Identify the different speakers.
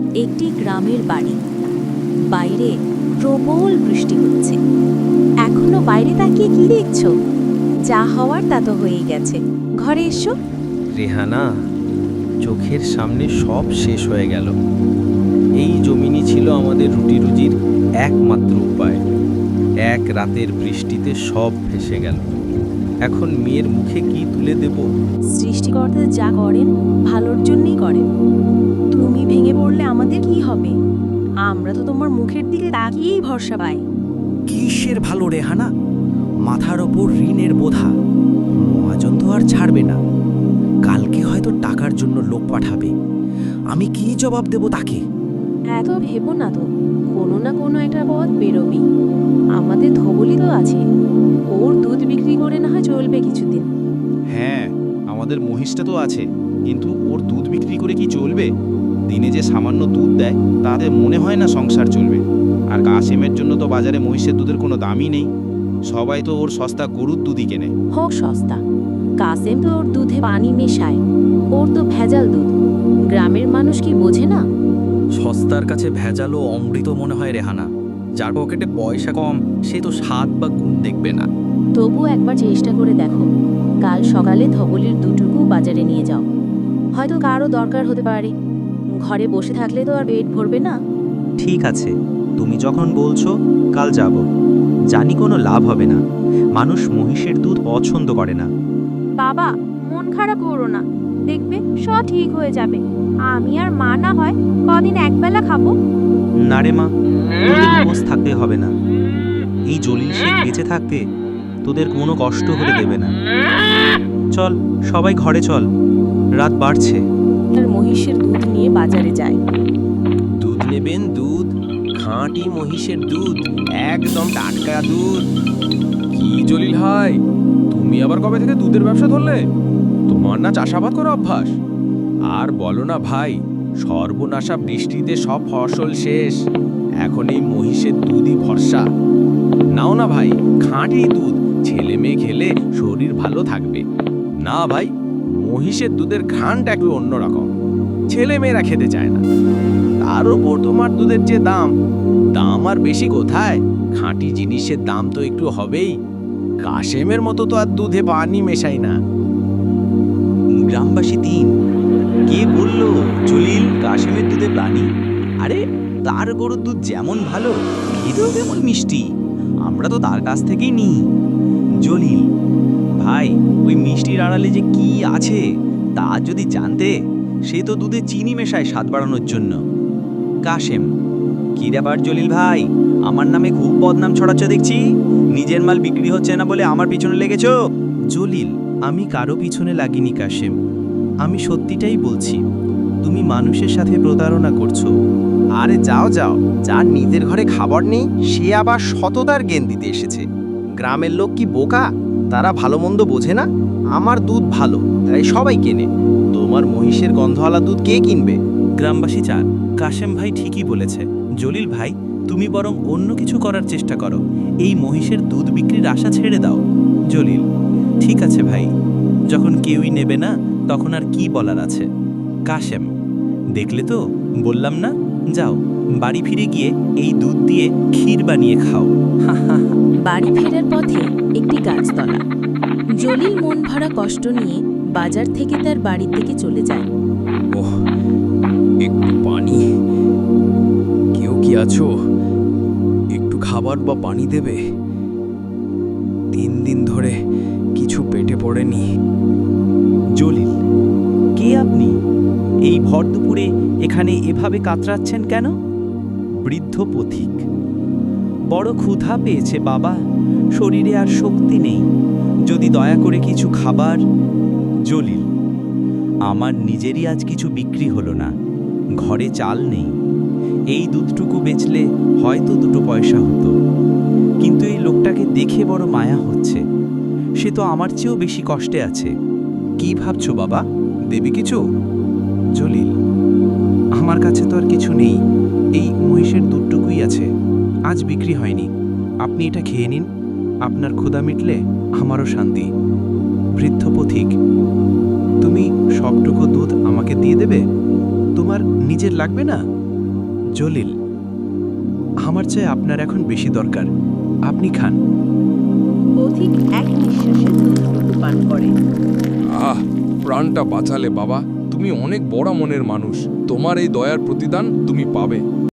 Speaker 1: একটি গ্রামের বাড়ি। বাইরে প্রবল বৃষ্টি হচ্ছে। এখনো বাইরে তাকিয়ে কি দেখছো? যা হওয়ার তা তো হয়েই গেছে। ঘরে এসো।
Speaker 2: রেহানা, চোখের সামনে সব শেষ হয়ে গেল। এই জমিনই ছিল আমাদের রুটি রুজির একমাত্র উপায়। এক রাতের বৃষ্টিতে সব ভেসে গেল। এখন মেয়ের মুখে কি তুলে দেব?
Speaker 1: সৃষ্টিকর্তা যা করেন ভালোর জন্যই করেন। তুমি ভেঙে পড়লে আমাদের কি হবে? আমরা তো তোমার মুখের দিকে তাকিয়েই ভরসা পাই।
Speaker 3: কিসের ভালো রেহানা? মাথার ওপর ঋণের বোঝা। মহাজন তো আর ছাড়বে না। কালকে হয়তো টাকার জন্য লোক পাঠাবে। আমি কি জবাব দেব তাকে?
Speaker 1: এত ভেবো না তো, কোনো না কোনো একটা পথ বেরোবেই। আমাদের ধবলি তো আছে, ওর দুধ বিক্রি করে না হয় চলবে কিছুদিন।
Speaker 4: হ্যাঁ, আমাদের মহিষটা তো আছে, কিন্তু ওর দুধ বিক্রি করে কি চলবে? দিনে যে সামান্য দুধ দেয় তাতে মনে হয় না সংসার চলবে। আর কাশেমের জন্য তো বাজারে মহিষের দুধের কোনো দামই নেই। সবাই তো ওর সস্তা গরুর দুধই কেনে।
Speaker 1: হোক সস্তা, কাসেম তো ওর দুধে পানি মেশায়। ওর তো ভেজাল দুধ। গ্রামের মানুষ কি বোঝে না?
Speaker 3: সস্তার কাছে ভেজাল ও অমৃত মনে হয় রেহানা। যার পকেটে পয়সা কম সে তো স্বাদ বা গুণ দেখবে না।
Speaker 1: তবু একবার চেষ্টা করে দেখো। কাল সকালে ধবলির দুটুকু বাজারে নিয়ে যাও। হয়তো কারো দরকার হতে পারে। ঘরে বসে থাকলে তো আর পেট ভরবে না।
Speaker 5: ঠিক আছে, তুমি যখন বলছো কাল যাব। জানি কোনো লাভ হবে না। মানুষ মহিষের দুধ পছন্দ করে না।
Speaker 6: বাবা, মন খারাপ করো না, দেখবে সব ঠিক হয়ে যাবে। আমি আর মা না হয় কদিন একবেলা খাবো।
Speaker 5: না রে মা, তোদের উপোস থাকতে হবে না। এই জলিল শেখ বেঁচে থাকতে তোদের কোনো কষ্ট হতে দেবে না। চল সবাই ঘরে চল, রাত বাড়ছে।
Speaker 1: আর মহিষের দুধ নিয়ে বাজারে যায়।
Speaker 2: দুধ নেবেন? দুধ, খাঁটি মহিষের দুধ, একদম টাটকা দুধ।
Speaker 7: কি জলিল ভাই, তুমি আবার কবে থেকে দুধের ব্যবসা ধরলে? তোমার না চাষাবাদ করা অভ্যাস? আর বলো না ভাই, সর্বনাশা বৃষ্টিতে সব ফসল শেষ। এখন এই মহিষের দুধই ভরসা। নাও না ভাই, খাঁটি দুধ, ছেলে মেয়ে খেলে শরীর ভালো থাকবে। না ভাই, মহিষের দুধের ঘ্রাণটা একটু অন্যরকম, ছেলে মেয়েরা খেতে চায় না। তার উপর তোমার দুধের যে দাম, দাম আর বেশি কোথায়? খাঁটি জিনিসের দাম তো একটু হবেই। কাশেমের মতো তো আর দুধে পানি মেশাই না।
Speaker 5: গ্রামবাসী 3। কে বলল জলিল কাশেমের দুধে প্রাণী? আরে তার গরুর দুধ যেমন ভালো, খেতেও তেমন মিষ্টি। আমরা তো তার কাছ থেকেই নিই। জলিল ভাই, ওই মিষ্টির আড়ালে যে কি আছে তা যদি জানতে, সে তো দুধে চিনি মেশায় স্বাদ বাড়ানোর জন্য। কাশেম, কি ব্যাপার জলিল ভাই, আমার নামে খুব বদনাম ছড়াচ্ছ দেখছি। নিজের মাল বিক্রি হচ্ছে না বলে আমার পিছনে লেগেছো।
Speaker 2: জলিল, আমি কারো পিছনে লাগিনি কাশেম। আমি সত্যিটাই বলছি। তুমি মানুষের সাথে প্রতারণা করছো।
Speaker 8: আরে যাও যাও, যার নিজের ঘরে খাবার নেই সে আবার সততার জ্ঞান দিতে এসেছে। গ্রামের লোক কি বোকা? তারা ভালো মন্দ বোঝে না। আমার দুধ ভালো, তাই সবাই কেনে। তোমার মহিষের গন্ধওয়ালা দুধ কে কিনবে?
Speaker 5: গ্রামবাসী 4। কাশেম ভাই ঠিকই বলেছে। জলিল ভাই, তুমি বরং অন্য কিছু করার চেষ্টা করো। এই মহিষের দুধ বিক্রির আশা ছেড়ে দাও। জলিল, ঠিক আছে ভাই, যখন কেউই নেবে না তখন আর কি বলার আছে। কাশেম, দেখলে তো, বললাম না? যাও বাড়ি ফিরে গিয়ে এই দুধ দিয়ে ক্ষীর বানিয়ে খাও।
Speaker 1: বাড়ি ফেরার পথে একটি গাছতলা। জলিল মন ভরা কষ্ট নিয়ে বাজার থেকে তার বাড়ির দিকে চলে যায়।
Speaker 7: ওহ, একটু পানি। কেউ কি আছো? একটু খাবার বা পানি দেবে? 3 দিন ধরে কিছু পেটে পড়েনি।
Speaker 5: জলিল, কে আপনি? এই ভর দুপুরে এখানে এভাবে কাতরাচ্ছেন কেন? বৃদ্ধ পথিক, বড় ক্ষুধা পেয়েছে বাবা, শরীরে আর শক্তি নেই, যদি দয়া করে কিছু খাবার। জলিল, আমার নিজেরই আজ কিছু বিক্রি হলো না, ঘরে চাল নেই। এই দুধটুকু বেচলে হয়তো 2 পয়সা হতো, কিন্তু এই লোকটাকে দেখে বড় মায়া হচ্ছে। সে তো আমার চেয়েও বেশি কষ্টে আছে।
Speaker 2: কি ভাবছো বাবা, দেবে কিছু? জলিল, আমার কাছে তো আর কিছু নেই, এই মহিষের দুধটুকুই আছে। আজ বিক্রি হয়নি, আপনি এটা খেয়ে নিন। আপনার ক্ষুধা মিটলে আমারও শান্তি। বৃদ্ধ পথিক, তুমি সবটুকু দুধ আমাকে দিয়ে দেবে? তোমার নিজের লাগবে না? জলিল, আমার চেয়ে আপনার এখন বেশি দরকার। আপনি খান।
Speaker 1: পথিক এক নিঃশ্বাসে দুধটুকু পান করে।
Speaker 7: আহ, প্রাণটা বাঁচালে বাবা। তুমি অনেক বড় মনের মানুষ। তোমার এই দয়ার প্রতিদান তুমি পাবে।